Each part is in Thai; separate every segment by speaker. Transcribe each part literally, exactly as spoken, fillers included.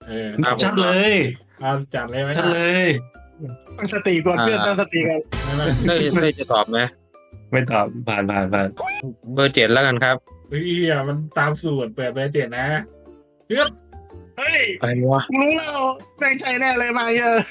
Speaker 1: เออ
Speaker 2: ชัดเลย
Speaker 1: เอาจัดเลยไหม
Speaker 2: ชัดเลย
Speaker 3: ตั้งสติก่อนเพื่อนตั้งสติกัน
Speaker 1: ไม่ไม่
Speaker 4: เต้ยเต้ยจะตอบไหม
Speaker 2: ไม่ตอบผ่านผ่านผ่าน
Speaker 4: เบอร์เจ็ดแล้วกันครับ
Speaker 1: เฮ้ยอ่ะมันตามสูตรเปิดเบอร์เจ็ดนะเฮ้ย
Speaker 3: เฮ้ย
Speaker 4: อะไรวะ
Speaker 3: กูรู้แล้วแม่งใช่แน่เลยมาเยอะ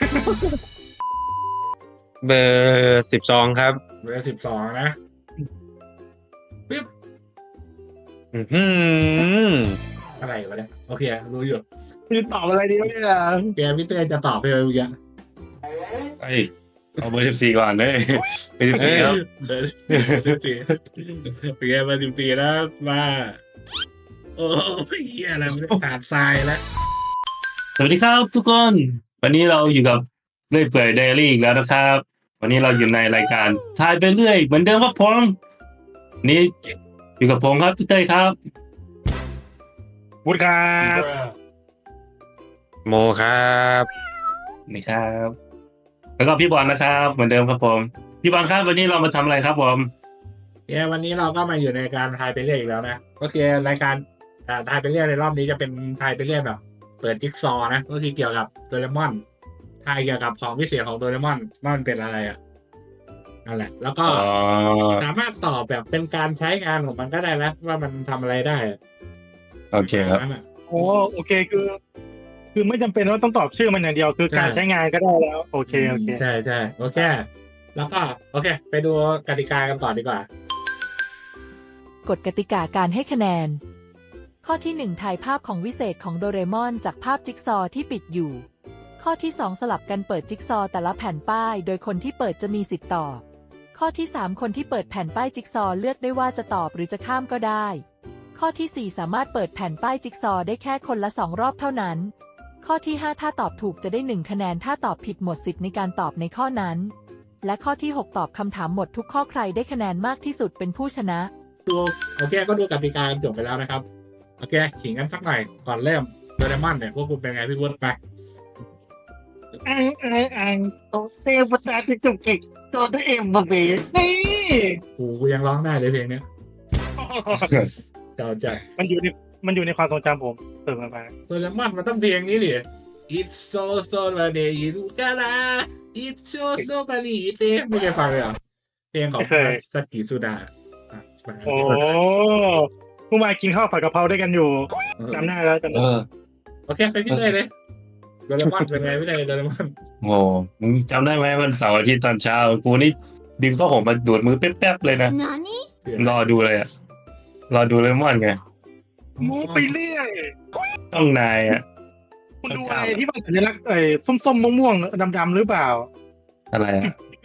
Speaker 4: เบอร์สิบสองครับ
Speaker 1: เบอร์สิบสองนะปิ๊บ
Speaker 4: อื้อหือ
Speaker 1: อะไรวะเนี่ยโอเครู้อยู่
Speaker 3: คือตอบอะไรดีวะเนี่ย
Speaker 1: แกพี่เต้จะตอบเลยเมื่อกี้
Speaker 2: ไอ้เอาเบอร์สิบสี่ก่อนเลยเป็นสิบสี่ครับ
Speaker 1: เบอร์สิบสี่โอเคเบอร์สิบสี่แล้วมาโอ้ยเหี้ยอะไรไม่ได้ขาดทรายแล้ว
Speaker 2: สวัสดีครับทุกคน วันนี้เราอยู่กับเรื่อยเปื่อยไดอารี่อีกแล้วนะครับ วันนี้เราอยู่ในรายการทายไปเรื่อยเหมือนเดิมครับผมนี่อยู่กับผมครับพี่เต้ยครับ
Speaker 3: พูดครับ
Speaker 4: โมครับ
Speaker 2: นี่ครับ แล้วก็พี่บอลนะครับเหมือนเดิมครับผมพี่บอลครับวันนี้เรามาทำอะไรครับผม
Speaker 1: เย้วันนี้เราก็มาอยู่ในการทายไปเรื่อยอีกแล้วนะก็คือรายการอ่าทายไปเรื่อยในรอบนี้จะเป็นทายไปเรื่อยแบบ เปิดจิ๊กซอว์นะก็คือเกี่ยวกับโดเรมอนทายเกี่ยวกับของพิเศษของโดเรมอนว่ามันเป็นอะไรอ่ะนั่นแหละ แล้วก็
Speaker 2: อ๋อ
Speaker 1: สามารถตอบแบบเป็นการใช้งานของมันก็ได้นะว่ามันทำอะไรได้
Speaker 2: โอเคครับ
Speaker 1: นั่นน่ะ
Speaker 3: โอ้โอเคคือ คือไม่จำเป็นว่าต้องตอบชื่อมันอย่างเดียว คือการใช้งานก็ได้แล้ว โอเคโอเค
Speaker 1: ใช่ใช่โอเคแล้วก็โอเค ไปดูกติกากันก่อนดีกว่า
Speaker 5: กฎกติกาการให้คะแนน ข้อที่ หนึ่ง ถ่ายภาพของวิเศษของโดเรมอนจากภาพจิ๊กซอว์ที่ปิดอยู่ ข้อที่ สอง สลับกันเปิดจิ๊กซอว์แต่ละแผ่นป้าย โดยคนที่เปิดจะมีสิทธิ์ตอบ ข้อที่ สาม คนที่เปิดแผ่นป้ายจิ๊กซอว์เลือกได้ว่าจะตอบหรือจะข้ามก็ได้ ข้อที่ สี่ สามารถเปิดแผ่นป้ายจิ๊กซอว์ได้แค่คนละสองรอบเท่านั้น ข้อที่ ห้า ถ้าตอบถูกจะได้หนึ่งคะแนนถ้าตอบผิดหมดสิทธิ์ในการตอบในข้อนั้น และข้อที่ หก ตอบคำถามหมดทุกข้อใครได้คะแนนมากที่สุดเป็นผู้ชนะ
Speaker 1: ดูโอเคก็ดูกติกาจบไปแล้วนะครับโอเคขิงกันสักหน่อยก่อนเริ่มโดเรมอนเนี่ยพวกคุณเป็นไงพี่วุฒิไป
Speaker 3: อังอังอังโตเตปตาติจุกเก่งโตเตเอ็มบะเบนี่
Speaker 1: กูกูยังร้องได้เลยเพลงเนี้ยเจ้าใจ
Speaker 3: มันอยู่ในมันอยู่ในความทรงจำผมเติมมา
Speaker 1: โดเรมอนมันต้องเพลงนี้ดิ It's so so funny you gotta It's so so funny เต้ไม่เคยฟังเลยเหรอเพลงของสกิสุดาอ่ะ
Speaker 3: โอ้ผู้มากินข้าวผัดกะเพราด้วยกันอยู่จำได้แล้วจำ
Speaker 2: เอ
Speaker 3: ได้
Speaker 2: อ
Speaker 1: โอเคไปพี่เลยเลยโดเรมอนเป็นไงพี่เลยโดเรมอน
Speaker 2: โง่มึงจำได้ไหมวันเสาร์อาทิตย์ตอนเช้ากูนี่ดึงผ้าห่มมาดูดมือแป๊บๆเลยนะรอดูเลยอะรอดูเลมอนไง
Speaker 3: โม้ไปเรื่อย
Speaker 2: ต้องนายอะ
Speaker 3: คุณดูอะไรที่มันสัญลักษณ์เอ้ส้มๆม่วงๆดำๆหรือเปล่า
Speaker 2: อะไรอะ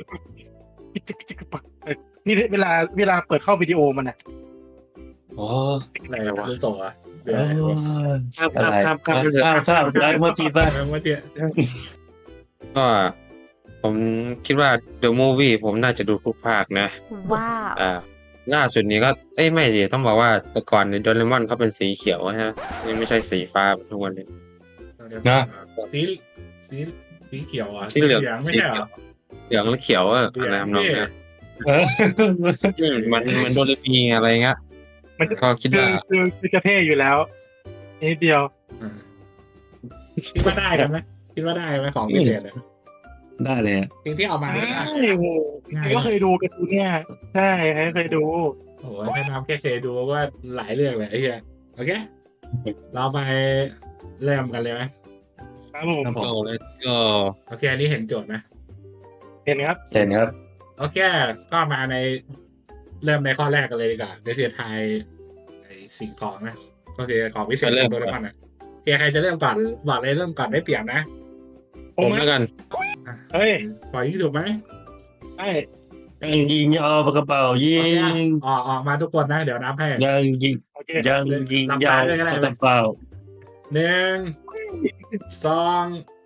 Speaker 3: นี่เวลาเวลาเปิดเข้าวิดีโอมันอ่ะ
Speaker 2: อ๋อ
Speaker 1: อะไรวะตัวอ่ะเดี๋ยว
Speaker 4: ครับ
Speaker 2: อะ
Speaker 4: ครับ
Speaker 2: ไร
Speaker 4: ครับครับ
Speaker 2: ข้าวข้าวได้โมจิบ้าง
Speaker 1: เมื่อกี้
Speaker 4: ก็ผมคิดว่า The Movie ผมน่าจะดูทุกภาคนะ
Speaker 5: ว้าว
Speaker 4: อ่าล่าสุดนี้ก็เอ้ยไม่สิต้องบอกว่าแต่ก่อนในโดเรมอนเขาเป็นสีเขียวใช่ไหมนี่ไม่ใช่สีฟ้าทุกวันนี้
Speaker 1: สีสีสีเขียวอ่ะ
Speaker 4: สีเหลือง
Speaker 1: ไม่
Speaker 4: สี
Speaker 1: ใช่เหร
Speaker 4: เขีย
Speaker 1: อ
Speaker 4: วเหลืองและเขียวอะ
Speaker 1: เหลือง
Speaker 4: อะไรทำนองเนี้ย
Speaker 2: เออ
Speaker 4: อืมมันมันโดเรมีอะไรเงี้ย
Speaker 3: มัน
Speaker 4: ก็คิด
Speaker 3: คือ
Speaker 4: ว่า
Speaker 3: คือคือจะเท่อยู่แล้วนิดเดียว
Speaker 1: อ่าคิดว่าได้กันไหมคิดว่าได้ไหมของพิเศษเนี่ย
Speaker 2: ได้เลยอะ
Speaker 1: จริงที่เอามา
Speaker 3: ใช่
Speaker 1: ไม่ได้
Speaker 3: โอ้โหก็เคยดูการ์ตูนเนี่ยใช่เคยดู
Speaker 1: โอ้โหถ้าน้ำแค่เคยดูว่าหลายเรื่องเลยไอ้เหี้ยโอเค เราไปเริ่มกันเลยไหม
Speaker 3: ครับผม
Speaker 2: ครับผ
Speaker 4: ก็
Speaker 2: ม
Speaker 4: เลยก็
Speaker 1: โอเคอันนี้เห็นโจทย์ไหม
Speaker 3: เห็นครับ
Speaker 2: เห็นครับ
Speaker 1: โอเค ก็มาในเริ่มในข้อแรกกันเลยดีกว่าเดี๋ยวจะทายไอ้สิ่งของนะก็คือของพิเศษของโดเรมอนอ่ะโอเคใครจะเริ่มก่อนบอกเลยเริ่มก่อนได้เปรียบนะ
Speaker 4: ผมแล้วกัน
Speaker 3: เฮ้ย
Speaker 1: ปล่อยยิงถูกไหม
Speaker 3: ใช่
Speaker 2: ยังยิงยาวปากกระเป๋ายิ
Speaker 1: โอเค
Speaker 2: ง
Speaker 1: ออกออกมาทุกคนนะ เดี๋ยวนับให้
Speaker 2: ยังยิง
Speaker 3: โอเค
Speaker 2: ยังยิงยาวปากกระเป๋า
Speaker 1: หนึ่งสองไป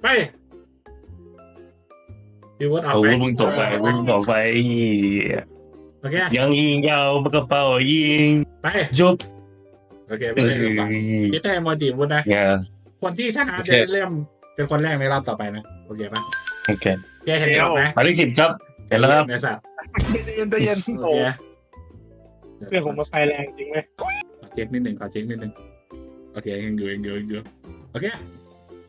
Speaker 1: พี่วุฒิออก
Speaker 2: โอ้
Speaker 1: ไป
Speaker 2: มึงตกไปมึงตกไป
Speaker 1: โอเค
Speaker 2: ยังยิงยาวปากกระเป๋ายิง
Speaker 1: ไป
Speaker 2: จบ
Speaker 1: โอเคไม่ใช่เริ่มก่อนพี่เต้โมจิวุฒินะ
Speaker 2: เนี่ย
Speaker 1: คนที่ชนะจะได้เริ่มเป็นคนแรกในรอบต่อไปนะโอเคปะ
Speaker 2: โอเค
Speaker 1: โอเคเห็นไหม
Speaker 2: หมายเลขสิบครับเห็นแล้วครับ
Speaker 1: ในสัตว์
Speaker 3: เย็นเย็น
Speaker 1: โอ
Speaker 3: โอ้
Speaker 1: เค
Speaker 3: เพื่อนผมมาไฟแรงจริงไหม
Speaker 1: ขอเช็คนิดหนึ่งขอเช็คนิดหนึ่งโอเคยังอยู่ยังอยู่ยังอยู่โอเค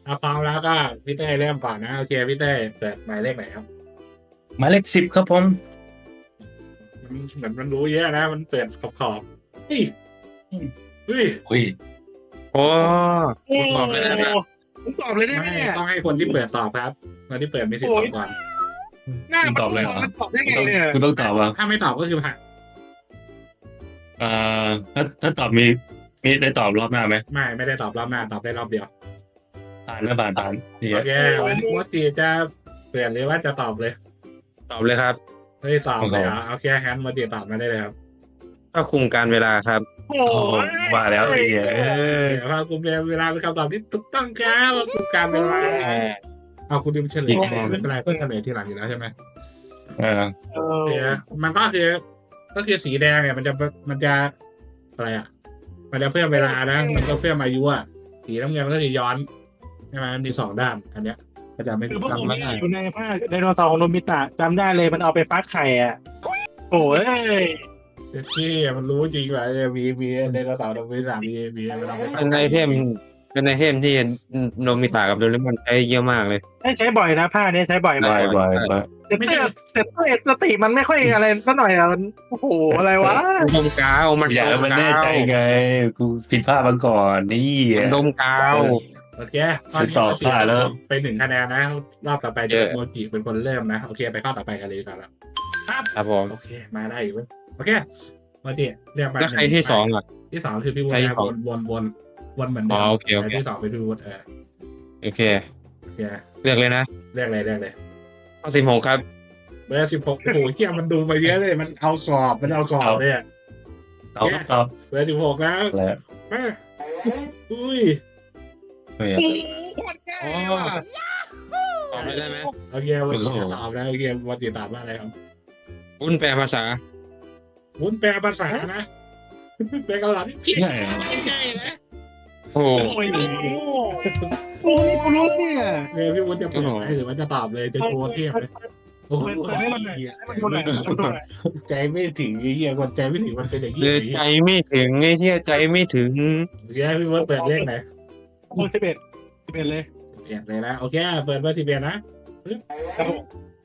Speaker 1: เอาพร้อมแล้วก็พี่เต้เริ่มก่อนนะโอเคพี่เต้เปิดหมายเลขไหนครับ
Speaker 2: หมายเลขสิบครับผม
Speaker 1: มันเหมือนมันรู้เยอะนะ มันเปิดขอบขอบๆเฮ้ยเฮ้ย
Speaker 2: เฮ้ย
Speaker 4: โอ้ผมตอบเลยนะเนี่ย
Speaker 3: ผมตอบเลยได้ไหม
Speaker 1: ไม่
Speaker 3: เนี่ย
Speaker 1: ต้องให้คนที่เปิดตอบครับคนที่เปิดมีสิทธิ์ตอบก่อน
Speaker 3: หน้า
Speaker 2: คุณตอบเลยเหรอ
Speaker 3: มันตอบได้ไง
Speaker 2: ต้อง
Speaker 3: เนี่ย
Speaker 2: คุณต้องตอบว่า
Speaker 1: ถ้าไม่ตอบก็คือผ่าน
Speaker 2: เอ่อถ้าถ้าตอบมีมีได้ตอบรอบหน้าไหม
Speaker 1: ไม่ไม่ได้ตอบรอบหน้าตอบได้รอบเดียว
Speaker 2: ผ่านนะผ่านผ่านนี่
Speaker 1: โอเควันนี้ว่าสีจะเปลี่ยนหรือว่าจะตอบเลย
Speaker 4: ตอบเลยครับ
Speaker 1: เฮ้ยตอบเลยเหรอโอเคแฮนด์มาตีตอบมาได้เลยครับ
Speaker 4: ก็คุมการเวลาครับ
Speaker 3: โอ้
Speaker 2: โอ้ว่าแล้วไอ้เหี้ยเออ
Speaker 1: เดี๋ยวว่าคุณเวลาเป็นคำตอบที่ถูกต้องครับถูกการเวลาเอาคุณดิมเฉลยไม่เป็นไรเพิ่งเฉลยทีหลังอยู่แล้วใช่ไหม
Speaker 2: เออ
Speaker 3: เอ
Speaker 1: โอเค
Speaker 3: อ
Speaker 1: มันก็คือก็คือสีแดงเนี่ยมันจะมันจะอะไรอ่ะ มันจะเพิ่มเวลานะ มันก็เพิ่มอายุอ่ะสีน้ำเงินก็คือย้อนใช่ไหมมันมีสองด้านอันเนี้ยก็จะไม่
Speaker 3: คือ
Speaker 1: ถูก
Speaker 3: พวก
Speaker 1: ต้อง
Speaker 3: ผมเนี่ยอยู่ในภาคไดโนเสาร์ของโนบิตะจำได้เลยมันเอาไปฟักไข่อ่ะโอ้ย
Speaker 1: ที่มันรู้จริงว่ามีมีในกระสาวดงวิสามีมีมันเอาไป
Speaker 4: เป็นไอเทมเป็นไอเทมที่โนมิตะกับโดเรมอนใช้เยอะมากเลย
Speaker 3: ใช้บ่อยนะผ้านี้ใช้บ่อย
Speaker 2: บ่
Speaker 3: มา
Speaker 2: อก ยบ่อยบ่อย
Speaker 3: แต่เต้แต่เต้สติมันไม่ค่อยอะไรสักหน่อยอ่ะมันโอ้โหอะไรวะ
Speaker 4: ดมกาวมัน
Speaker 2: อย่า
Speaker 4: ด
Speaker 2: ให้
Speaker 4: ม
Speaker 2: มัน
Speaker 4: กา
Speaker 2: แน่ใจ
Speaker 4: ว
Speaker 2: ไงกูผิดพลาดมาก่อนนี่
Speaker 4: มันดมกาว
Speaker 1: โอเคตอนนี้
Speaker 2: สอบผ่านแล้ว
Speaker 1: ไปหนึ่งคะแนนนะรอบต่อไปจะ
Speaker 4: เยอะ
Speaker 1: โมจิเป็นคนเริ่มนะโอเคไปข้อต่อไปกันเลยดีกว่อนแล้วครับ
Speaker 4: ครับผม
Speaker 1: โอเคมาได้อยู่เว้ยโอเคโมจิเรียกมา
Speaker 4: แล้วใครที่สองอ่ะ
Speaker 1: ที่สองคือพี่วุฒิ
Speaker 4: ใครที่
Speaker 1: นะ
Speaker 4: สอ
Speaker 1: ว
Speaker 4: ง
Speaker 1: นวนวนวนเหมือนเดิ
Speaker 4: อ๋
Speaker 1: ม
Speaker 4: อโอเคโอเค
Speaker 1: แต่ที่สองเป็นพี่วุฒิเออ
Speaker 4: โอเค
Speaker 1: โอเค
Speaker 4: เลือกเลยนะ
Speaker 1: เรียกเลยเรียกเลย
Speaker 4: ข้อสิบหกครับ
Speaker 1: เบอร์สิบหกโอ้โหเที่ยมันดูมาเยอะเลย มันเอากรอบ มันเอากรอบเลยอะ
Speaker 2: ตอบตอบ
Speaker 1: เบอร์สิบหกแล้ว
Speaker 2: แล้ว
Speaker 1: มาอุ้ย
Speaker 2: เฮ้ย
Speaker 3: โอ้โหโคตรง่ายว่ะ
Speaker 4: ตอบเลยได้ไหม
Speaker 1: โอเควันนี้ตอบแล้วโอเควันที่ตอบว่าอะไรครับ
Speaker 4: วุ้นแปลภาษา
Speaker 1: วุ้นแปลภาษานะแปลเกาหลีพี่
Speaker 2: ง่ายเหรอ
Speaker 1: ไม่ใช่นะ
Speaker 4: โอ้โห
Speaker 3: โอ้ยโอ้ยกูรู้เนี่ย
Speaker 1: เออพี่วุ้นจะเปิดไหมหรือว่าจะตอบเลยจะโชว์เทียบเลยโอ้โห
Speaker 3: เปิดให้มันหน่อยให้มันดูหน่อยให้มันดูหน่อย
Speaker 1: ใจไม่ถึงไอ้เหี้ยคนใจไม่ถึงมันเป็นอย่างนี้
Speaker 4: เลยใจไม่ถึงไอ้ที่ใจไม่ถึง
Speaker 1: โอเคพี่วุ้นเปิดเลขไหน
Speaker 3: โอ้สิบเอ็ดสิบเอ็ดเลย
Speaker 1: เปลี่ยนเลยนะโอเคเปิดเบอร์สิบเอ็ดนะ
Speaker 3: ครับผม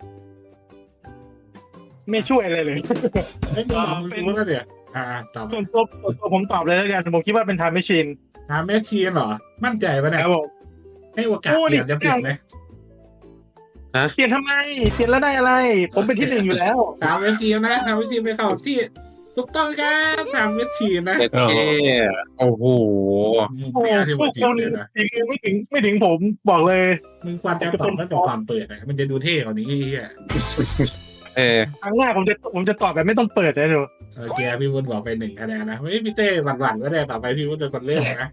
Speaker 3: ไม่ช่วยอะไรเลย
Speaker 1: เฮ้ยมึงตอบมึงรู้แล้วเนี่ยอ่าตอบ
Speaker 3: ส่วนตัวส่วนตัวผมตอบเลยแล้วกันผมคิดว่าเป็นไทม์แมชชีน
Speaker 1: ถามแม่ชีนเหรอมั่นใจปะ
Speaker 3: ค
Speaker 1: เนี่ย
Speaker 3: รับผม
Speaker 1: ให้โอกาสเปลี่ยนจะเปลี่ยนไหม
Speaker 3: เปลี่ยนทำไมเปลี่ยนแล้วได้อะไร ผมเป็นที่หนึ่งอยู่แล้ว
Speaker 1: ถามเวทีมนะถามเวทีมเป็นคำตอบที่ถูกต้องครับถามเวทีมนะ
Speaker 4: เด็ดเท่โอ้โห
Speaker 3: โอ้
Speaker 1: ไม่
Speaker 3: โห
Speaker 1: ที่
Speaker 3: พว
Speaker 1: เว
Speaker 3: ก
Speaker 1: ที
Speaker 3: คุ
Speaker 1: ม
Speaker 3: ณ
Speaker 1: เลยนะ
Speaker 3: อีกไม่ถึงไม่ถึงผมบอกเลย
Speaker 1: มึงควรจะตอบตั้งแต่ก่อนเปิดนะมันจะดูเท่กว่านี้เฮีย
Speaker 4: เออ
Speaker 3: ครั้งหน้าผมจะผมจะตอบแบบไม่ต้องเปิดนะหนู
Speaker 1: โอเคพี่วุฒิบอกไปหนึ่งคะแนนนะเฮ้ยพี่เต้หวั่นๆก็ได้ต่อไปพี่วุฒิเป็นคนเล่นนะ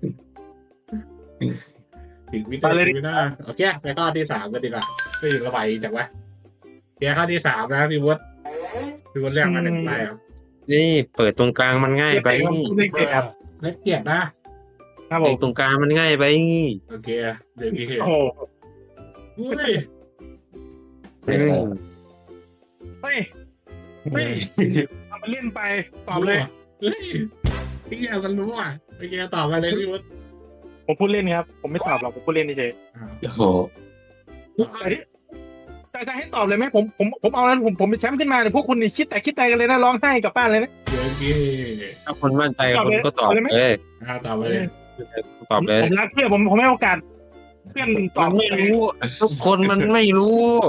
Speaker 1: ถึงพี่เต้ไม่ได้โอเคไปข้อที่สามกันดีกว่าไม่ถึงระบายจากว่าเพียข้อที่สามนะพี่วุฒิพี่วุฒิเรียกมาหนึ่งใบครับ
Speaker 4: นี่เปิดตรงกลางมันง่ายไป
Speaker 3: ไม่เก็บครับ
Speaker 1: เล็กเกียรตินะครับ
Speaker 3: ผ
Speaker 4: เปิ
Speaker 3: ม
Speaker 4: ดตรงกลางมันง่ายไป
Speaker 1: โอเคเดี๋ยวพี่เห็น
Speaker 3: โอ้โห
Speaker 1: อุ้ย
Speaker 4: อืม
Speaker 3: เฮ้ยเฮ้ยทำมาเล่นไปตอบเลย
Speaker 1: เฮ้ยพี่เหี้ยมันรู้อ่ะโอเคตอบมาเลยพี่วุฒิ
Speaker 3: ผมพูดเล่นครับ ผมไม่ตอบหรอกผมพูดเล่นเฉย
Speaker 1: อ้าว
Speaker 2: โอ้โห
Speaker 3: ๆแต่ที่แต่จะให้ตอบเลยไหมผมผมผมเอาแล้วผมผมเป็นแชมป์ขึ้นมาเนี่ยพวกคุณนี่คิดแต่คิดแต่กันเลยนะร้องไห้กลับบ้านเลยนะ
Speaker 1: เดี๋ยวพี่
Speaker 4: ถ้าคนมั่นใจคนก็ตอบ
Speaker 3: ตอบเลยไหม
Speaker 4: เลย
Speaker 1: อ่าตอบมาเลย
Speaker 4: ตอบเลย
Speaker 3: ผมรักเพื่อนผมผมให้โอกาสเพื่อนตอ
Speaker 4: มั
Speaker 3: บ
Speaker 4: นไม่รู้ ทุกคนมันไม่รู้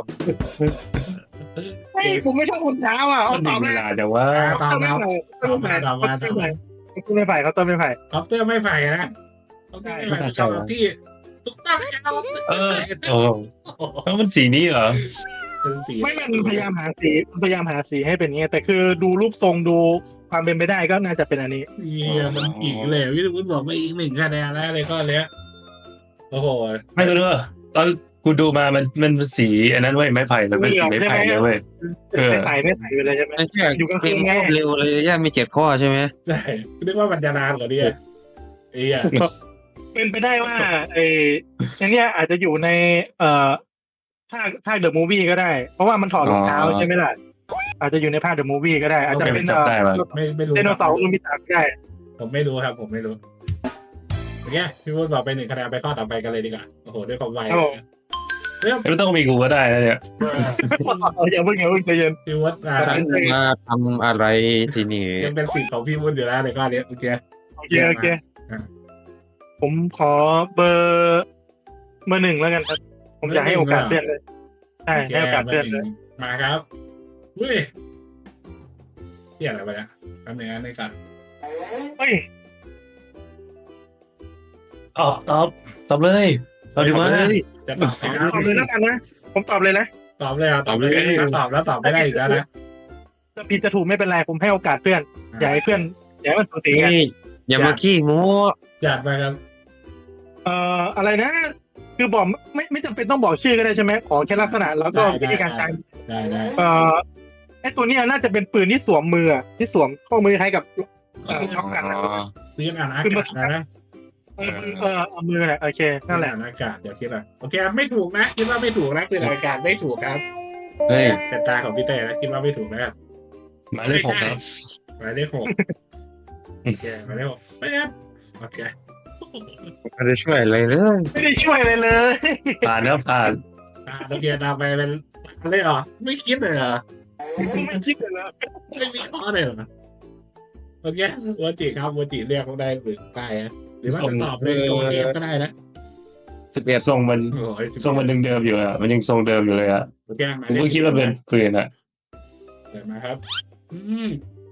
Speaker 3: เฮ้ยผมไม่ชอบคนเช้าอ่ะเอา
Speaker 2: มัน
Speaker 3: ต
Speaker 2: มี
Speaker 3: อบ
Speaker 2: เว
Speaker 3: เลย
Speaker 2: ลาแต่ว่า
Speaker 1: อ่าตอบ
Speaker 3: ไม่
Speaker 1: แล้ว
Speaker 3: ไผ่ไม่ไผ่เขาไม่ไผ่เขาต้นไม่ไผ่
Speaker 1: คอปเตอร์ไม่ไฟนะคอปเตอร์ไม่ไฟเป็นคำตอบที่ถูกต้องครับ
Speaker 2: เออโอ้แล้วมันสีนี้เหรอ
Speaker 1: เป็นสี
Speaker 3: ไม่ไม่มันพยายามหาสีพยายามหาสีให้เป็นอย่างเงี้ยแต่คือดูรูปทรงดูความเป็นไปได้ก็น่าจะเป็นอันนี้
Speaker 1: เยี่ยมันอีกเลยพี่วุฒิบอกมาอีกหนึ่งคะแนนแล้วเลยข้อเนี้ยโอ้โห
Speaker 2: ไม่รู้ว่าตอนกูดูมามันมันเป็นสีอันนั้นเว้ยไม้ไผ่มันเป็นสีไม้ไผ่เลยเว้ย เออ
Speaker 3: ไม่ไผ่ไม่ไผ่ไปเลยใช่ไหม
Speaker 4: ไม่ใช่
Speaker 3: อยู่กลางคื
Speaker 4: เรีย
Speaker 3: น
Speaker 4: น
Speaker 3: ไง
Speaker 4: เร็วเลยย่ามีเจ็ดข้อใช่ไหม
Speaker 1: ใช่นึกว่ามันจะนานกว่านี้ไอ้เหี้ย
Speaker 3: เป็นไปได้ว่าไอ้อันเนี้ยอาจจะอยู่ในเอ่อภาคภาคเดอะมูฟวี่ก็ได้ เพราะว่ามันถอดรองเท้าใช่ไหมล่ะอาจจะอยู่ในภาคเดอะมูฟวี่ก็ได้ อาจจะเป็น
Speaker 2: จำได้ว่ะ
Speaker 1: ไม่ไม่รู้
Speaker 3: ไดโนเสาร์ลูมิตาก็ได้
Speaker 1: ผมไม่รู้ครับ ผมไม่รู้โอเคพี่วุฒิบอกไปหนึ่งคะแนนไปข้อต่อไปกันเลยดีกว่าโอ้โหด้วยความไว
Speaker 3: ครับผม
Speaker 1: เริ่ม
Speaker 2: ไม่ต้องมีกูก็ได้นะเนี่ย
Speaker 3: อย่าเพิ่งอย่าเพิ่งใจเย็น
Speaker 1: พี่วุฒิอ่า
Speaker 4: ฉันมาทำอะไรที่นี่
Speaker 1: ยังเป็นสิทธิ์ของพี่วุฒิอยู่แล้วในข้อนี้โอเค
Speaker 3: โอเคโอเค
Speaker 1: อ่ะ
Speaker 3: ผมขอเบอร์เบอร์หนึ่งแล้วกันครับ ผมอยากให้โอกาสเพื่อนเลยใช่
Speaker 1: โอเค
Speaker 3: ให้โอกาสเพื่อนเลย
Speaker 1: มาครับอุ้ยเที่ยอะไรไปเนี่ยทำอย่างนั้นในก่อน
Speaker 3: เฮ้ย
Speaker 2: ตอบตอบตอบเลยตอบดีมาก
Speaker 1: จะตอบไหมครับ
Speaker 3: ตอบเลยแล้วกันนะผมตอบเลยนะ
Speaker 1: ตอบเลยอ่ะตอบเลยถ้าตอบแล้วตอบไม่ได้อีกแล้วนะ
Speaker 3: จะผิดจะถูกไม่เป็นไรผมให้โอกาสเพื่อนอยากให้เพื่อนอยากให้มันสูสีกัน
Speaker 4: นี่อย่ามาขี้โม้
Speaker 1: อยากมาครับ
Speaker 3: เอ่ออะไรนะ คือบอกไม่ไม่จำเป็นต้องบอกชื่อก็ได้ใช่ไหมขอแค่ลักษณะแล้วก็วิธีการใช้
Speaker 1: ได้ได้
Speaker 3: เอ่อไอตัวเนี้ยน่าจะเป็นปืนที่สวมมืออะที่สวมข้อมือคล้ายกับเอ่อช็อปกันนะ
Speaker 1: ปืนอ่านอากาศนะนะ
Speaker 3: เออเออเอามือแหละโอเค
Speaker 1: ปื
Speaker 3: นั่น
Speaker 1: น
Speaker 3: แหละ
Speaker 1: อ่านอากาศเดี๋ยวคิดว่าโอเคไม่ถูกนะคิดว่าไม่ถูกนะปืนอ่านอากาศไม่ถูกครับ
Speaker 2: เฮ้ย
Speaker 1: สายตาของพี่เต้นะคิดว่าไม่ถูกนะครับ
Speaker 2: หมายเลขหกครับ
Speaker 1: หมายเลขหกโอเคหมายเลขหกไม่ครับโอเค
Speaker 4: ไม่ได้ช่วยอะไรเลย
Speaker 3: ไม่ได้ช่วยอะไรเลย
Speaker 2: ผ่านครับผ่าน
Speaker 1: อ่าโอเคตามไปเป็นอะไรเหรอไม่คิดเลยเหรอ
Speaker 3: ไม่คิดเลยนะ
Speaker 1: ไม่มีข้อเลยเหรอโอเควัวจิครับวัวจิเรียกเขาได้หรือไปนะหรือว่าจะตอบเลยโอเคก็ได้นะ
Speaker 4: สิบเอ็ด
Speaker 2: ทรงมัน
Speaker 1: โอ้ย
Speaker 2: ทรงมันเดิมๆอยู่อะมันยังทรงเดิมอยู่เลยอะ
Speaker 1: โอเคหมาย
Speaker 2: ผม
Speaker 1: เลข
Speaker 2: ก็คิดว่าเป็นปืนอะ
Speaker 1: เปิดมาครับ อืม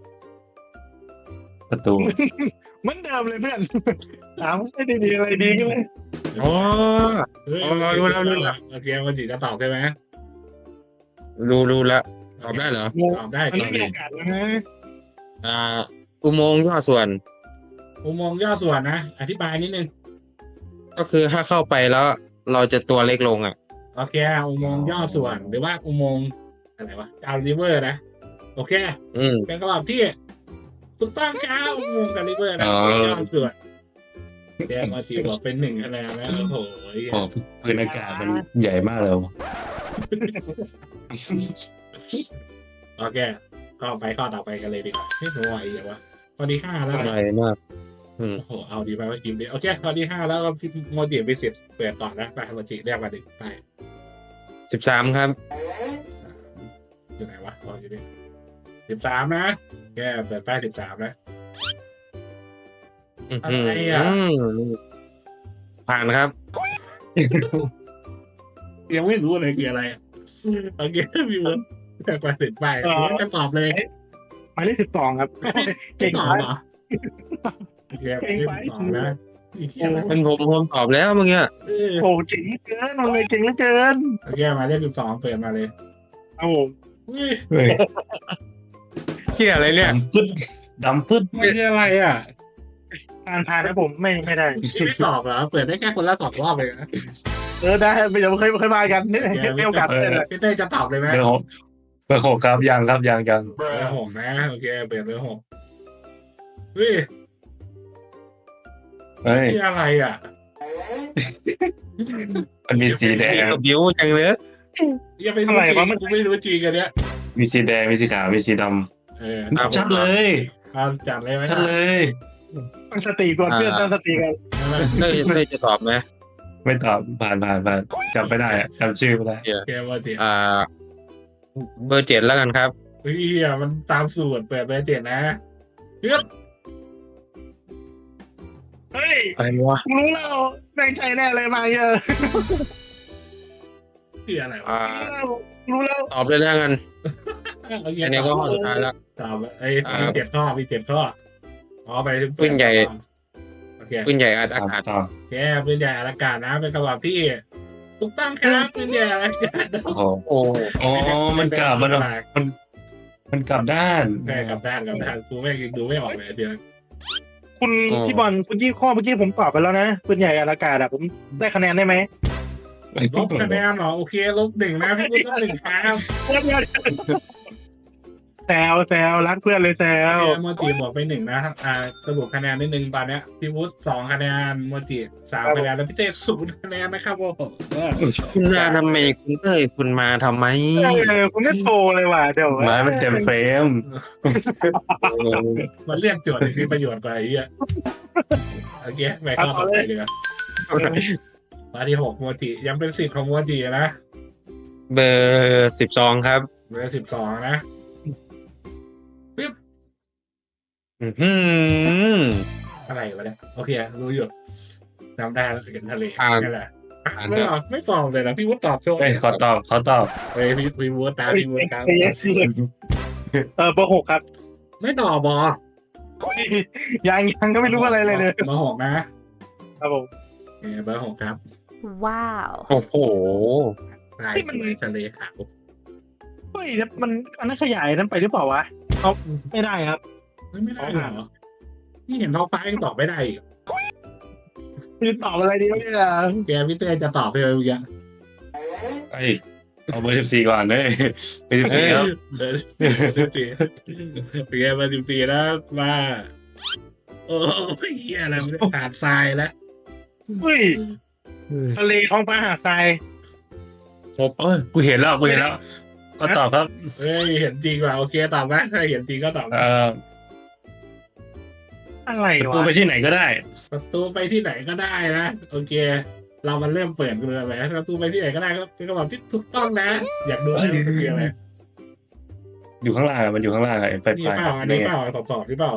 Speaker 2: ประตู
Speaker 3: เหมือนเดิมเลยเพื่อนถามไม่ได้ดีอะไรดีกันเลย
Speaker 4: อ๋อ
Speaker 1: เฮ้ย
Speaker 4: เอาเอารู้แล้วรู้แล้ว
Speaker 1: โอเควัวจิจะตอบใช่ไหม
Speaker 4: รู้รู้แล้วตอบได้เหรอ
Speaker 1: ตอบได้
Speaker 3: มัน
Speaker 1: ตอ
Speaker 3: ไม่
Speaker 1: บ
Speaker 3: มี
Speaker 1: ได้
Speaker 3: โอกาสแล้วนะ
Speaker 4: อ่า อุโมงค์ย่อส่วน
Speaker 1: อุโมงค์ย่อส่วนนะ อธิบายนิดนึง
Speaker 4: ก็คือถ้าเข้าไปแล้ว เราจะตัวเล็กลงอ่ะ
Speaker 1: โอเคอุโมงค์ย่อส่วน หรือว่าอุโมงค์อะไรวะกาลิเวอร์นะ โอเค
Speaker 4: อืม
Speaker 1: เป็นคำตอบที่ถูกต้องครับอุโมงค์กาลิเวอร์นะ
Speaker 2: อ๋อ
Speaker 1: ย่อส่วนแดงมาจีบอกเป็นหนึ่งคะแนนแล้วโอ้โห
Speaker 2: โอ้ปืนอากาศมันใหญ่มากเลย
Speaker 1: โอเคก็ไปข้อต่อไปกันเลยดีกว่าไม่รู้ว่าอีกวะข้อที่ห้าแล้ว
Speaker 4: ให
Speaker 1: นะ
Speaker 4: ญ่มาก
Speaker 1: โอ้โหเอาดีไปว่ากิมดีโอเคข้อที่ห้าแล้วก็พี่โมจิไปเสร็จเปิดต่อนะไปโมจิเรียกมาดิไป
Speaker 4: สิบสามครับ
Speaker 1: สามอยู่ไหนวะอ๋ออยู่นี่สิบสามนะแกเปิดป้ายสิบสามนะ
Speaker 4: อืม
Speaker 1: อะไรอ่ะ
Speaker 4: มผ่านครับ
Speaker 1: ยังไม่รู้เลยคืออะไรอะโอเคพี่เวิร์ดแต่ไปถึงป้ายผมจะตอบเลย
Speaker 3: หมายเลขสิบสองครับ
Speaker 1: เก่งเหรอโอเคไปที่สิบสองนะอีกแค่นั้น
Speaker 4: เป็นผมผมตอบแล้วเมื่อกี้
Speaker 1: เออ
Speaker 3: โอ้เก่งเหลือเกินมันเลยเก่งเหลือเกิน
Speaker 1: โอเคมาเลขสิบสองเปิดมาเลย
Speaker 3: เอาผม
Speaker 1: อุ้ย
Speaker 2: เฮ้ย
Speaker 4: เที่ยอะไรเนี่ย
Speaker 2: ดำปึ๊ดดำปึ๊ด
Speaker 1: ไม่ใช่อะไรอ่ะ
Speaker 3: ผ่านผ่านนะผมไม่ไม่ได้
Speaker 1: นี่ไม่ตอบเหรอเปิดได้แค่คนละสองรอบเลยนะ
Speaker 3: เออได้ไม่เดี๋ยวเคยเคยมากันนี่ให้โอกาสเพื่อนเลย
Speaker 1: พี่เต้จะตอบเลยไหม
Speaker 2: เบอร์หกเบอร์หกครับยังครับยังยัง
Speaker 1: เบอร์หกนะโอเคเปิดเบอร์หกเฮ้ย
Speaker 2: เฮ้ย
Speaker 1: นี่อะไรอ่ะ
Speaker 2: มันมีสีแดง
Speaker 4: บิวจังเลย
Speaker 1: ยังไม่รู้จริงกูไม่รู้จริงกันเนี้ย
Speaker 2: มีสีแดงมีสีขาวมีสีด
Speaker 1: เออ
Speaker 2: ำชัดเลย
Speaker 1: เอาจัดเลยไหม
Speaker 2: ชัดเลย
Speaker 3: ตั้งสติก่อนเพื่อนตั้งสติก่อน
Speaker 4: เต้ยเต้ยจะตอบไหม
Speaker 2: ไม่ตอบผ่านผ่านผ่านจำไม่ได้อะจำชื่อไม่ได้
Speaker 1: โอเคว่าเจ็ด
Speaker 4: อ่า เบอร์เจ็ดแล้วกันครับ
Speaker 1: เฮ้ยมันตามสูตรเปิดเบอร์เจ็ดนะเฮ้ย
Speaker 3: เฮ้ย
Speaker 4: อะไรวะ
Speaker 3: รู้แล้วแบ่งใจแน่เลยมาเยอะ
Speaker 1: ที่อะไรวะ
Speaker 4: อ่า
Speaker 3: รู้แล้ว
Speaker 4: ตอบเลยแล้วกัน
Speaker 1: โอเค
Speaker 4: อันนี้ก็ข้อสุดท้ายแล้ว
Speaker 1: ตอบไอ้มีเจ็ดข้อมีเจ็ดข้ออ๋อไป
Speaker 4: ปืนใหญ่
Speaker 1: โอเค
Speaker 4: ปืนใหญ่อัด
Speaker 2: ตา
Speaker 4: อาม กาศ
Speaker 2: ตาม
Speaker 1: โอเคปืนใหญ่อากาศนะเป็นคำตอบที่ถูกต้องครับปืนใหญ่อากาศ
Speaker 2: โอ้โห
Speaker 4: โอ้
Speaker 2: อ๋อมันกลับมันมันมันกลับด้าน
Speaker 1: ใช่กลับด้านกลับด้านกูไม่ดูไม่ออกเลยเดียว
Speaker 3: คุณพี่บอลคุณยี่ข้อเมื่อกี้ผมตอบไปแล้วนะปืนใหญ่อากาศอะผมได้คะแนนได้ไหม
Speaker 1: ลบคะแนนเหรอโอเคลบหนึ่งนะพี่พูดลบหนึ่งครับ
Speaker 3: แซวแซวรักเพื่อนเลยแซว
Speaker 1: โอเคโมจิบวกไปหนึ่งนะอ่าสรุปคะแนนนิดนึงตอนเนี้ยพี่วุฒิสองคะแนนโมจิสามคะแนนแล้วพี่เต้ศูนย์คะแนนนะครับโอ้โห
Speaker 4: คุณมาทำไมคุณเต้ยคุณมาทำไม
Speaker 3: เออคุณไม่โทรเลยว่ะเดี๋ยว
Speaker 2: ไม้มันเต็มเฟรม
Speaker 1: มันเรียกโจทย์มีประโยชน์กว่าไอ้เหี้ยโอโอเคไปข้อต่อไปดีกว่ามาที่หกโมจิยังเป็นสิทธิ์ของโมจินะ
Speaker 4: เบอร์สิบสองครับ
Speaker 1: เบอร์สิบสองนะ
Speaker 4: อือหือ
Speaker 1: อะไรวะเนี่ยโอเครู้อยู่จำได้แล้วเห็นทะเล
Speaker 4: อ่าน
Speaker 1: นี่แหละ
Speaker 4: อ่าน
Speaker 1: ไม่
Speaker 4: เถอะ
Speaker 1: ตอบไม่ตอบเลยนะพี่วุฒิตอบโชว์
Speaker 2: เอ้ยขอตอบขอตอบ
Speaker 1: เฮ้ยพี่พี่วุฒิตามพี่วุฒิตาม
Speaker 3: เออเบอร์หกครับ
Speaker 1: ไม่ตอบบอ
Speaker 3: ยังยังก็ไม่รู้อะไรเลยเลย
Speaker 1: เบอร์หกนะครับ
Speaker 3: ผม
Speaker 1: เออเบอร์หกครับ
Speaker 5: Wow
Speaker 4: โอ้โห
Speaker 1: ลายสวยทะเลขาว
Speaker 3: เฮ้ยมันอันนั้นขยายนั้นไปหรือเปล่าวะเอาไม่ได้ครับ
Speaker 1: เฮ้ยไม่ได้เหรอนี่เห็นท้องฟ้ายังตอบไม่ได้อีก
Speaker 3: คือตอบอะไรดีวะเนี่ย
Speaker 1: แกพี่เต้จะตอบเลยเมื่อกี้
Speaker 2: เอ้ยเอาเบอร์สิบสี่ก่อนเลยเบอร์สิบสี่ครับ
Speaker 1: เออสิบสี่เป็นไงมาสิบสี่แล้วมาโอ้ยเหี้ยอะไรไม่ได้ขาดทรายแล้ว
Speaker 3: เฮ้ยทะเลท้องฟ้าหาดทราย
Speaker 2: โอ้ยกูเห็นแล้วกูเห็นแล้ว ก็ตอบครับ
Speaker 1: เฮ้ยเห็นจริงว่ะโอเคตอบนะถ้าเห็นจริงก็ตอบนะ
Speaker 2: เอ่อ
Speaker 3: อะไร
Speaker 2: ประ
Speaker 3: วะ
Speaker 2: ตูไปที่ไหนก็ได้
Speaker 1: ประตูไปที่ไหนก็ได้นะโอเค เรามันเริ่มเปิดกันเลยไหมประตูไปที่ไหนก็ได้ครับเป็นคำตอบที่ถูกต้องนะ อยากดูไหมมันคืออะไร
Speaker 2: อยู่ข้างล่างอะมันอยู่ข้างล่างอะไอ้ไฟ
Speaker 1: นี่
Speaker 2: ไฟ
Speaker 1: เปล่าอันนี้เปล่าสอบสอบที่เปล่า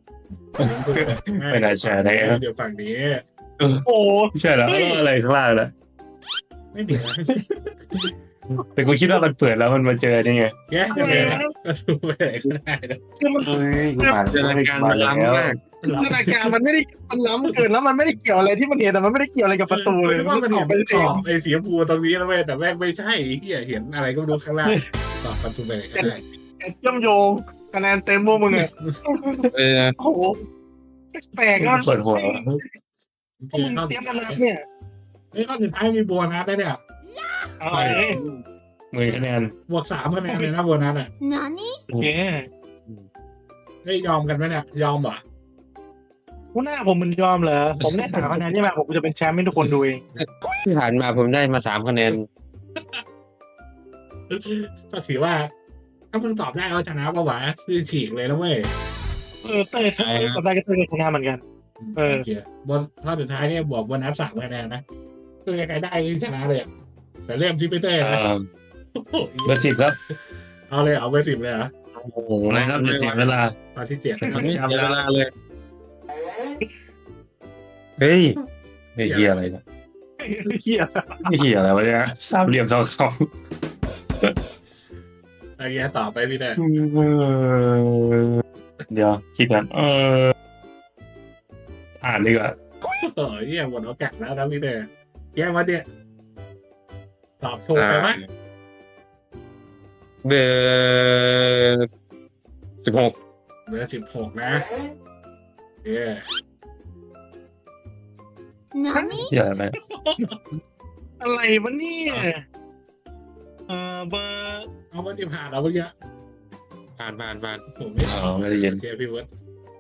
Speaker 2: ไม่น่าใช่ได้ครับ
Speaker 1: เดี๋ยวฝั่งนี้
Speaker 3: โอ้โห
Speaker 2: ใช่แล้วแล้วอะไรข้างล่างนะ
Speaker 1: ไม่มีนะ
Speaker 2: แต่กูคิดว่ามันเปิดแล้วมันมาเจอนี่ไง
Speaker 1: แย่จะเลยนะประตูไปไหนก็ได้นะ
Speaker 3: คือมัน
Speaker 2: เฮ้ยกูผ่าน
Speaker 4: จินตนาการมันล้ำมาก
Speaker 3: จินตนาการมันไม่ได้มันล้ำเกินแล้วมันไม่ได้เกี่ยวอะไรที่มันเห็นแต่มันไม่ได้เกี่ยวอะไรกับประตูเลย
Speaker 1: นึกว่ามัน
Speaker 3: อ
Speaker 1: เห็
Speaker 3: อก
Speaker 1: น
Speaker 3: ไป
Speaker 1: เป็น
Speaker 3: เอ
Speaker 1: ของ บไอ้สีชมพูตรงนี้แล้วเว้ยแต่แม่งไม่ใช่ไอ้เหี้ยเห็นอะไรก็ไม่รู้ข้างล่างตอบประตูไปไหนก็ได้
Speaker 3: เชื่อมโยงคะแนนเต็มพวกมึงอะ
Speaker 4: เออ
Speaker 3: โอ้โหแปลกอ่ะ
Speaker 2: เปิดหัว
Speaker 1: โอ
Speaker 3: พวก
Speaker 1: เค
Speaker 3: มึง
Speaker 1: ข้อ
Speaker 3: เตรี
Speaker 1: สุ
Speaker 3: ยม
Speaker 1: ด
Speaker 3: มา
Speaker 1: ท้าย
Speaker 3: นับเนี่ย
Speaker 1: เฮ้ยข้อสุดท้ายมีโบนัสได้เนี่ย
Speaker 3: เอาเลย
Speaker 2: หมื่นคะแนน
Speaker 1: บวกสามคะแนนเลยนะโบนัสอ่ะ
Speaker 3: โอเค
Speaker 1: เฮ้ยยอมกันไหมเนี่ยยอมเหรอ
Speaker 3: หัวหน้าผมมันยอมเหรอผมได้สามคะแนนใช่ไหมผมจะเป็นแชมป์ให้ทุกคนดูเอง
Speaker 4: ที่ผ่านมาผมได้มาสามคะแนน
Speaker 1: ก็ถือว่า ถ้ามึงตอบได้ก็ชนะปะวะคือฉีกเลยนะเว้ย
Speaker 3: เออเต้ยเต้ยตอบได้ก็เต้ยชนะเหมือนกัน เออ
Speaker 1: โอเคบนข้อสุดท้ายเนี่ยบวกโบนัสสามคะแนนนะคือใครได้ชนะเลยอะแต่เริ่มที่พีเตอร์
Speaker 2: เอ่
Speaker 1: นะ
Speaker 2: อเบอร์สิบครับ
Speaker 1: เอาเลยเอาไปสิบเลยเหรอ
Speaker 4: โอ้โห
Speaker 2: อะไรครับจะเสียเวลา
Speaker 1: ตอนที่เจ็ดนะครับ
Speaker 4: ไม่เสียเวลาเลย เฮ้ย
Speaker 2: ไอ้เหี้ยอะไรเนี่ย
Speaker 3: เฮีย
Speaker 2: ไอ้เหี้ยอะไรวะเนี่ยสามเหลี่ยมสองสอง
Speaker 1: โอเคต่อไปพี่เตอร์
Speaker 2: เดี๋ยวคิดกันเอออ่านดีกว่า
Speaker 1: โอ้ยเหี้ยหมดโอกาสแล้วนะพี่เตอร์แย่มาเนี่ยตอบถูกไปไหม
Speaker 4: เบอร์สิบหก
Speaker 1: เบอร์สิบหกนะเย้
Speaker 2: เหี้ยอะไร
Speaker 3: อะไรวะเนี่ยเออเบอร์
Speaker 1: เอาว่าจะผ่านเอาเมื่อกี้
Speaker 4: ผ่านผ่านผ่าน
Speaker 1: ผมไม่
Speaker 2: อ๋อไม่ได้ยิน
Speaker 1: เชียร์พี่เวิร์ด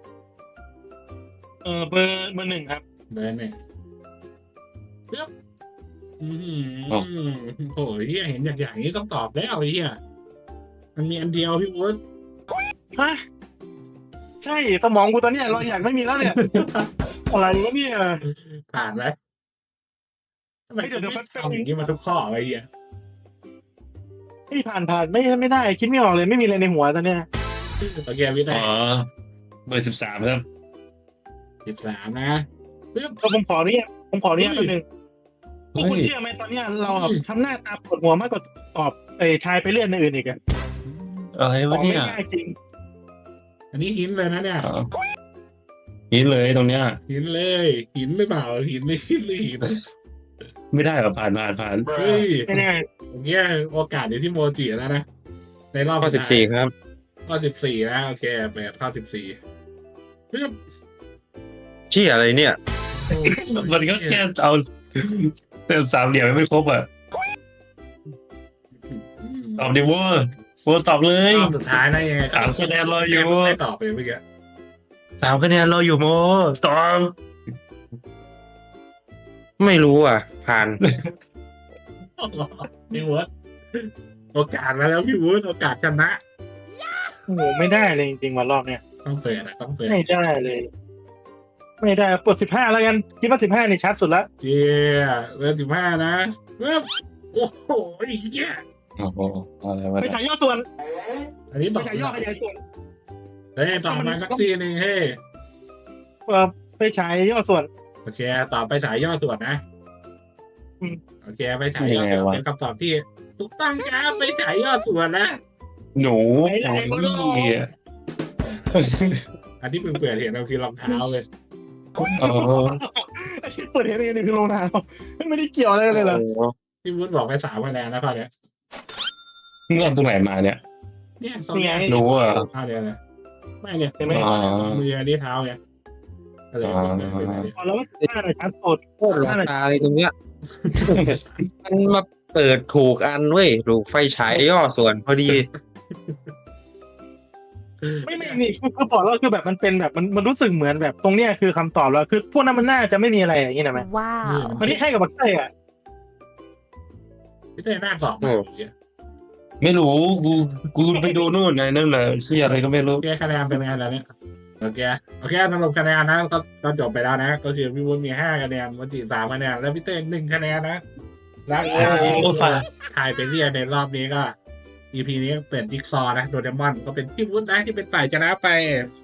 Speaker 3: เออเบอร์เบอร์หนึ่งครับ
Speaker 1: เบอร์หนึ่งปึ๊บอืมโอ้ยเหี้ยเห็นอย่างอย่างนี้ต้องตอบแล้วไอ้เหี้ยมันมีอันเดียวพี่เวิร์ด
Speaker 3: ฮะใช่สมองกูตอนเนี้ยเราอยากไม่มีแล้วเนี่ย อะไรวะเนี่ย
Speaker 1: ผ่านไหมทำไม
Speaker 3: เดี๋ยวเดี๋ยว
Speaker 1: ไม่
Speaker 3: แป๊บ
Speaker 1: ทำอย่างนี้มาทุกข้อไอ้เหี้ย
Speaker 3: ไม่ผ่านผ่านไม่ไม่ได้ คิดไม่ออกเลยไม่มีอะไรในหัวตอนเนี้ย
Speaker 1: โอเคพี่ได้
Speaker 2: อ๋อเบอร์สิบสามครับ
Speaker 1: สิบสามนะปึ๊บ
Speaker 3: ก็ผมขอเนี่ยผมขอเนี่ย
Speaker 1: เฮ้
Speaker 3: แป๊
Speaker 1: ย
Speaker 3: บนึงพวกคุณเชื่อไหมตอนเนี้ยเราอะทำหน้าตาปวดหัวมากกว่าตอบไอ้ทายไปเรื่อยในอื่นอีกอะ
Speaker 2: อะไร
Speaker 3: ขอ
Speaker 2: วะ
Speaker 3: ไม่
Speaker 2: เนี่ย
Speaker 3: ง่ายจริง
Speaker 1: อันนี้หินเลยนะเนี่ย
Speaker 2: อ๋อหินเลยตรงเนี้ย
Speaker 1: หินเลย หินหรือเปล่าหินไม่หินหรือหิน
Speaker 2: ไม่ได้หรอผ่านผ่านผ่าน
Speaker 1: เฮ้ย
Speaker 3: ไม่แน่
Speaker 1: ผมเนี้ยโอกาสอยู่ที่โมจิแล้วนะในรอบ
Speaker 4: ข้อสิบสี่ครับ
Speaker 1: ข้อสิบสี่นะโอเคแปดข้อสิบสี่ปึ๊บ
Speaker 4: เชี่ยอะไรเนี่ย
Speaker 2: มันก็แค่เอาเติมสามเหลี่ยมไม่ครบอ่ะตอบดิวะวตอบเลย
Speaker 1: รอบสุดท้ายนะยังไง
Speaker 2: สามคะแนนรออยู่
Speaker 1: ไม่ตอบไปเมื่อกี้
Speaker 2: สามคะแนนรออยู่โมตอบ
Speaker 4: ไม่รู้อ่ะ ผ่าน
Speaker 1: พี่เวิร์ดโอกาสมาแล้วพี่เวิร์ดโอกาสชนะ
Speaker 3: โอ้โหไม่ได้เลยจริงๆวันรอบเนี้ย
Speaker 1: ต้องเปิดอะต้องเปิด
Speaker 3: ไม่ได้เลยไม่ได้เปิดสิบห้าแล้วกันคิดว่าสิบห้านี่ชัดสุดละ
Speaker 1: เจียเบอร์สิบห้านะเว้ยโอ้โหเหี้ย
Speaker 2: โอ้โหอะไรวะ
Speaker 3: ไป
Speaker 2: เนี่ย
Speaker 3: ฉายย่อส่วน
Speaker 1: อันนี้
Speaker 3: ไป
Speaker 1: ต่อ
Speaker 3: ฉายย่อขยายส่วน
Speaker 1: เฮ้ยต่อมาสักซีหนึ่งเฮ้ย
Speaker 3: เออไปฉายย่อส่วน
Speaker 1: โอเคต่อไปฉายย่อส่วนนะ
Speaker 3: อืม
Speaker 1: โอเคไปฉายย่อส่วนเป็นคำตอบที่ถูกต้องครับไปฉายย่อส่วนนะ
Speaker 2: หนู
Speaker 3: ไหนไหน
Speaker 2: โอ้ย
Speaker 1: อันที่เพิ่งเปิดเห็นเราคือรองเท้าเลย
Speaker 2: เออ
Speaker 3: ไอ้ที่เปิดเห็นนี่คือโรงงานไม่ได้เกี่ยวอะไรเลยเหรอ
Speaker 4: โอ้โห
Speaker 1: พี่วุฒิบอกไปสามคะแนนนะข้อเนี้ย
Speaker 2: มึงเอาตรงไหนมาเนี่ย
Speaker 1: เนี่ยสองเนี่ย
Speaker 2: หนูอ่ะ
Speaker 1: ข้อเดียวเลยไม่เนี่ย
Speaker 3: เห็นไหม
Speaker 2: อ๋อ
Speaker 1: มืออันนี้เท้าไงก็เลยเป็นเป็นแบบนี้
Speaker 3: อ๋อแล้วว่าหน้าชัดสุด
Speaker 4: โคตรหลอกตาเลยตรงเนี้ย มันมาเปิดถูกอันเว้ยถูกไฟฉายย่อส่วนพอดี
Speaker 3: ไม่ไม่นี่คือคือบอกแล้วคือแบบมันเป็นแบบมันมันรู้สึกเหมือนแบบตรงเนี้ยคือคำตอบแล้วคือพวกนั้นมันน่าจะไม่มีอะไรอย่างนี้นะไหม
Speaker 5: ว้าว
Speaker 3: มันที่ให้กับบักเต้อะ
Speaker 1: พี่เต้หน้าตอบมา
Speaker 4: โอ้
Speaker 2: ไม่รู้กูกูไปดูนู่นไงนั่นแหละที่อะไรก็ไม่รู้
Speaker 1: โอเคคะแนนเป็นไงแล้วเนี่ยโอเคโอเคสรุปคะแนนนะก็ก็จบไปแล้วนะ ก็คือพี่วุฒิมีห้าคะแนนวัจิสามคะแนนแล้วพี่เต้หนึ่งคะแนนนะและทาย
Speaker 2: โอ้ฝ่าย
Speaker 1: ทายไปเรียนในรอบนี้ก็ อี พี นี้เปิดจิ๊กซอว์นะโดเรมอนก็เป็นพี่วุฒินะที่เป็นฝ่ายชนะไป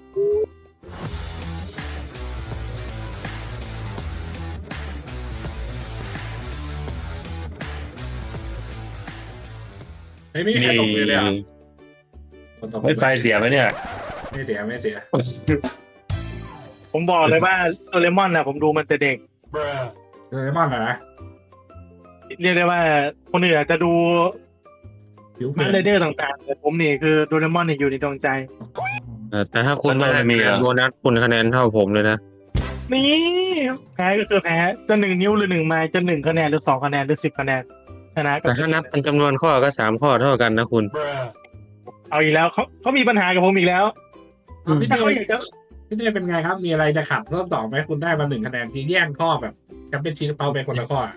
Speaker 1: เฮ้ยไม่มีใครตบมือเลยเหรอ่ะคนตบมื
Speaker 2: ไม่
Speaker 1: อ
Speaker 2: ไฟเสียไหมเนี่ย
Speaker 1: ไม่เสียไม่เสีย
Speaker 3: ผมบอกเลยว่าโดเรมอนนะผมดูมันแต่เด็ก
Speaker 1: โดเรมอนอะนะ
Speaker 3: เรียกได้ว่าคนอื่นอาจจะดู
Speaker 1: ผิวเป
Speaker 3: มา
Speaker 1: ลี่ยน
Speaker 3: เรเดอร์ต่างๆแต่ผมนี่คือโดเรมอนเนี่ยอยู่ในดวงใจ
Speaker 4: เออแต่ถ้าคุณ
Speaker 2: มัน
Speaker 4: ไม่
Speaker 2: ไม่
Speaker 4: ได้
Speaker 2: มี
Speaker 4: คะแน
Speaker 2: เหร
Speaker 4: น
Speaker 2: อ
Speaker 4: โบนัสคุณคะแนนเท่าผมเลยนะ
Speaker 3: นี่แพ้ก็คือแพ้จะหนึ่งนิ้วหรือหนึ่งไม้จะหนึ่งคะแนนหรือสองคะแนนหรือสิบคะแนนชนะก็
Speaker 4: แต่ถ้านับเป็นจำนวนข้อก็สามข้อเท่ากันนะคุณ
Speaker 3: เอาอีกแล้วเขาเขามีปัญหากับผมอีกแล้ว
Speaker 1: เอาพี่
Speaker 3: ถ้า
Speaker 1: เต้
Speaker 3: เขาอยากจะ
Speaker 1: พี่เต้เป็นไงครับ มีอะไรจะขัดรอบสองไหมคุณได้มาหนึ่งคะแนนที่แย่งข้อแบบจะเป็นชีสเปาไปคนละข้ออะ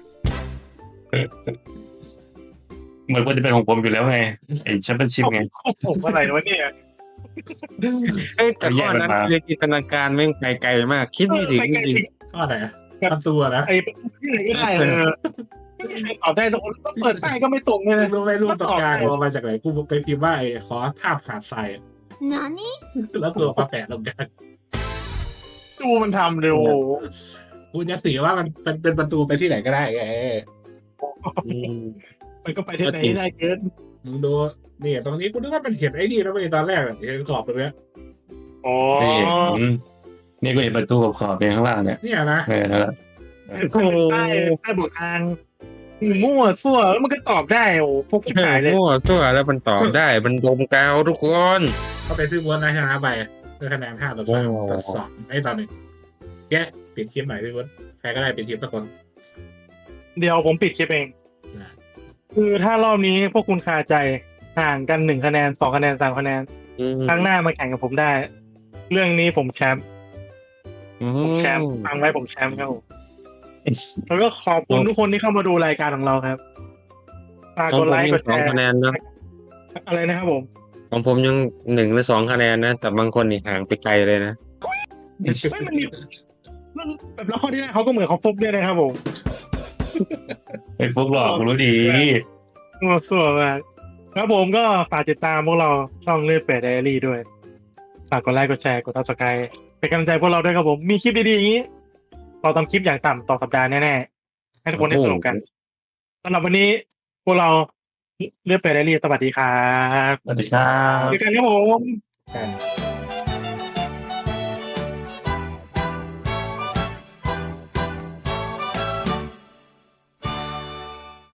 Speaker 2: เหมือนว่าจะเป็นของผมอยู่แล้วไงไอ้แชมเปี้ยนชิพไง
Speaker 3: ผมอะไรวะเนี่ย
Speaker 4: เอ้ยแต่ข้อนั้น
Speaker 2: แยกมันมา
Speaker 4: เรียนจินตนาการแม่งไปไกลมาก คิดไม่ถึง
Speaker 3: ไป
Speaker 4: จ
Speaker 3: ไกล
Speaker 4: ริง
Speaker 3: ถึง
Speaker 1: ข้อไหนอะประตูอะนะ
Speaker 3: ไอ้ที่ไหนก็ได้เออตอบได้ทุกคนเปิดใต้ก็ไม่ตรงเลย
Speaker 1: มึ
Speaker 3: นะ
Speaker 1: งรู้ไหมรูปตกกลางเอามาจากไหนกูไปพิมพ์ว่าไอ้ขอภาพหาดทราย
Speaker 6: 何
Speaker 1: แล้วตัวมาแปะลงกัน
Speaker 3: ดูมันทำเลยโอ้โห
Speaker 1: กูจะสื่อว่ามันเป็นเป็นประตูไปที่ไหนก็ได้ไง
Speaker 4: ๆอืม
Speaker 3: มันก็ไปที่ไหนได้เกิน
Speaker 1: มึงดูนี่ตรงนี้กูนึกว่ามันเห็นไอ้นี่แล้วไปตอนแรกแบบเห็นขอบตรงเนี้ย
Speaker 3: อ๋อ
Speaker 2: นี่อืมนี่ก็เห็นประตูขอบขอบๆเป็นข้างล่างเนี่ย
Speaker 1: เนี่ยนะ
Speaker 2: เออนั่นแหละ
Speaker 3: ใต้ใต้ใต้บททางมั่วซั่วแล้วมันก็ตอบได้โอ้พวกชิบหายเลย
Speaker 4: มั่วซั่วแล้วมันตอบได้มันดมกาวทุกคน
Speaker 1: ก็เป็นพี่ม้วนนะชนะไปด้วยคะแนนห้าต่อสามต่อสองไอ้ตอนหนึ่งแกปิดคลิปหน่อยพี่ม้วนใครก็ได้ปิดคลิปสักคน
Speaker 3: เดี๋ยวผมปิดคลิปเอง คือถ้ารอบนี้พวกคุณคาใจห่างกันหนึ่งคะแนนสองคะแนนสามคะแนน
Speaker 4: อืม
Speaker 3: ครั้งหน้ามาแข่งกับผมได้ เรื่องนี้ผมแชมป์
Speaker 4: อื
Speaker 3: ผมแชมป์ฟังไว้ผมแชมป์ครับผมแล้วก็ขอบคุณทุกคนที่เข้ามาดูรายการของเราครับฝาก
Speaker 4: ของ
Speaker 3: กด
Speaker 4: ผม
Speaker 3: ไลค์
Speaker 4: ยั
Speaker 3: ก
Speaker 4: ง
Speaker 3: ด
Speaker 4: ส
Speaker 3: แช
Speaker 4: อง
Speaker 3: ร์
Speaker 4: คะแนนนะ
Speaker 3: อะไรนะครับผม
Speaker 4: ของผมยังหนึ่งหรือสองคะแนนนะ แต่บางคนนี่ห่างไปไกลเลยนะ
Speaker 3: ไม่มันมีมันแบบแล้วข้อที่แรกเขาก็เหมือนเขาฟุกด้วยนะครับผม
Speaker 2: ไอ้พวกหลอกกูรู้ดี
Speaker 3: มั่วซั่วมากครับผมก็ฝากติดตามพวกเราช่องเลือดเปรตไดอารี่ด้วยฝากกดไลค์กดแชร์กดซับสไครต์เป็นกำลังใจพวกเราด้วยครับผมมีคลิปดีๆอย่างนี้เราทำคลิปอย่างต่ำต่อสัปดาห์แน่ๆให้ทุกคนได้สนุกกันสำหรับวันนี้พวกเราเลือดเปรตไดอารี่สวัสดีครับ
Speaker 2: สวัสดีครับ
Speaker 3: เจอกันครับผม
Speaker 1: กัน